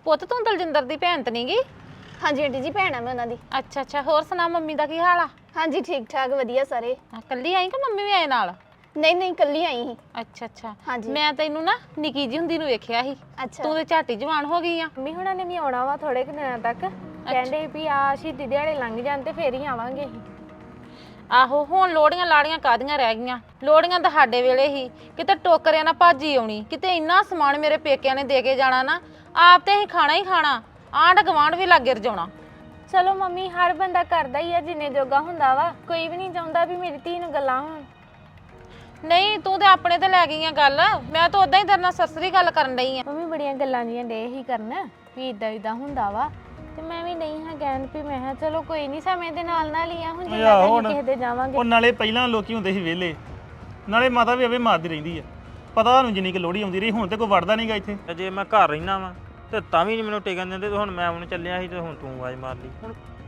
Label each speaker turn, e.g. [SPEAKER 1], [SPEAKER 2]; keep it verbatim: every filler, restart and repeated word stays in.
[SPEAKER 1] ਪੁੱਤ ਤੂੰ ਦਲਜਿੰਦਰ ਦੀ ਭੈਣ ਤੇ ਨਹੀਂਗੀ?
[SPEAKER 2] ਹਾਂਜੀ ਆਂਟੀ ਜੀ ਭੈਣ ਆ ਮੈਂ ਉਹਨਾਂ ਦੀ।
[SPEAKER 1] ਅੱਛਾ ਅੱਛਾ, ਹੋਰ ਸੁਣਾ ਮੰਮੀ ਦਾ ਕੀ ਹਾਲ ਆ?
[SPEAKER 2] ਹਾਂਜੀ ਠੀਕ ਠਾਕ ਵਧੀਆ ਸਾਰੇ।
[SPEAKER 1] ਆ, ਕੱਲੀ ਆਈ ਕਿ ਮੰਮੀ ਵੀ ਆਏ ਨਾਲ?
[SPEAKER 2] ਨਹੀਂ ਨਹੀਂ ਕੱਲੀ ਆਈ ਸੀ।
[SPEAKER 1] ਅੱਛਾ ਅੱਛਾ,
[SPEAKER 2] ਹਾਂਜੀ।
[SPEAKER 1] ਮੈਂ ਤੈਨੂੰ ਨਾ ਨਿੱਕੀ ਜੀ ਹੁੰਦੀ ਨੂੰ ਵੇਖਿਆ ਸੀ।
[SPEAKER 2] ਅੱਛਾ
[SPEAKER 1] ਤੂੰ ਤੇ ਝਾਟੀ ਜਵਾਨ ਹੋ ਗਈ ਆ।
[SPEAKER 3] ਮੰਮੀ ਹੁਣਾਂ ਨੇ ਵੀ ਆਉਣਾ ਵਾ ਥੋੜੇ ਕੁ ਦਿਨਾਂ ਤੱਕ। ਕਹਿੰਦੇ ਵੀ ਆ ਸ਼ਹੀਦੀ ਦਿਹਾੜੇ ਲੰਘ ਜਾਣ ਤੇ ਫੇਰ ਹੀ ਆਵਾਂਗੇ ਅਸੀਂ।
[SPEAKER 1] ਆਹੋ, ਹੁਣ ਲੋੜੀਆਂ ਲਾੜੀਆਂ ਕਾਦੀਆਂ ਰਹਿ ਗਈਆਂ? ਲੋੜੀਆਂ ਤਾਂ ਸਾਡੇ ਵੇਲੇ ਹੀ ਕਿਤੇ ਟੋਕਰਿਆਂ ਨਾਲ ਭਾਜੀ ਆਉਣੀ, ਕਿਤੇ ਇੰਨਾ ਸਮਾਨ ਮੇਰੇ ਪੇਕਿਆਂ ਨੇ ਦੇ ਕੇ ਜਾਣਾ ਨਾ, ਆਪ ਤੇ ਅਸੀਂ ਖਾਣਾ ਹੀ ਖਾਣਾ, ਆਂਢ ਗਵਾਂਢ ਵੀ ਲਾਗੇ ਰਜਾਉਣਾ।
[SPEAKER 3] ਚਲੋ ਮੰਮੀ ਹਰ ਬੰਦਾ ਕਰਦਾ ਹੀ ਆ ਜਿੰਨੇ ਜੋਗਾ ਹੁੰਦਾ ਵਾ, ਕੋਈ ਵੀ ਨਹੀਂ ਚਾਹੁੰਦਾ ਵੀ ਮੇਰੀ ਧੀ ਨੂੰ ਗੱਲਾਂ ਹੋਣ।
[SPEAKER 1] ਨਹੀਂ, ਤੂੰ ਤੇ ਆਪਣੇ ਤੇ ਲੈ ਗਈ ਆ ਗੱਲ, ਮੈਂ ਤਾਂ ਉਦਾਂ ਹੀ ਤੇਰੇ ਨਾਲ ਸਸਰੀ ਗੱਲ ਕਰਨ ਡਈ ਆ।
[SPEAKER 3] ਮੰਮੀ ਬੜੀਆਂ ਗੱਲਾਂ ਜੀਆਂ ਡੇ ਹੀ ਕਰਨ ਵੀ ਇਦਾਂ ਇਦਾਂ ਹੁੰਦਾ ਵਾ, ਤੇ ਮੈਂ ਵੀ ਨਹੀਂ ਹਾਂ ਕਹਿਣ ਵੀ ਮੈਂ ਕਿਹਾ ਚਲੋ ਕੋਈ ਨਹੀਂ ਸਮੇਂ ਦੇ ਨਾਲ ਨਾਲ ਹੀ ਆ, ਹੁਣ ਜਿੰਨਾ ਟਾਈਮ ਕਿਸੇ ਦੇ ਜਾਵਾਂਗੇ।
[SPEAKER 4] ਉਹ ਨਾਲੇ ਪਹਿਲਾਂ ਲੋਕੀ ਹੁੰਦੇ ਸੀ ਵਿਹਲੇ, ਨਾਲੇ ਮਾਤਾ ਵੀ ਅਵੇ ਮਾਰਦੀ ਰਹਿੰਦੀ ਆ, ਪਤਾ ਤੁਹਾਨੂੰ ਜਿੰਨੀ ਕਿ ਲੋੜੀ ਆਉਂਦੀ ਰਹੀ, ਹੁਣ ਤੇ ਕੋਈ ਵੜਦਾ ਨਹੀਂਗਾ ਇੱਥੇ।
[SPEAKER 5] ਜੇ ਮੈਂ ਘਰ ਰਹਿਣਾ ਵਾ ਤੇ ਤਾਂ ਵੀ ਨਹੀਂ ਮੈਨੂੰ ਟਿਕਣ ਦਿੰਦੇ, ਤੇ ਹੁਣ ਮੈਂ ਉਹਨੂੰ ਚੱਲਿਆ ਸੀ ਤੇ ਹੁਣ ਤੂੰ ਆਵਾਜ਼ ਮਾਰ ਲਈ। ਹੁਣ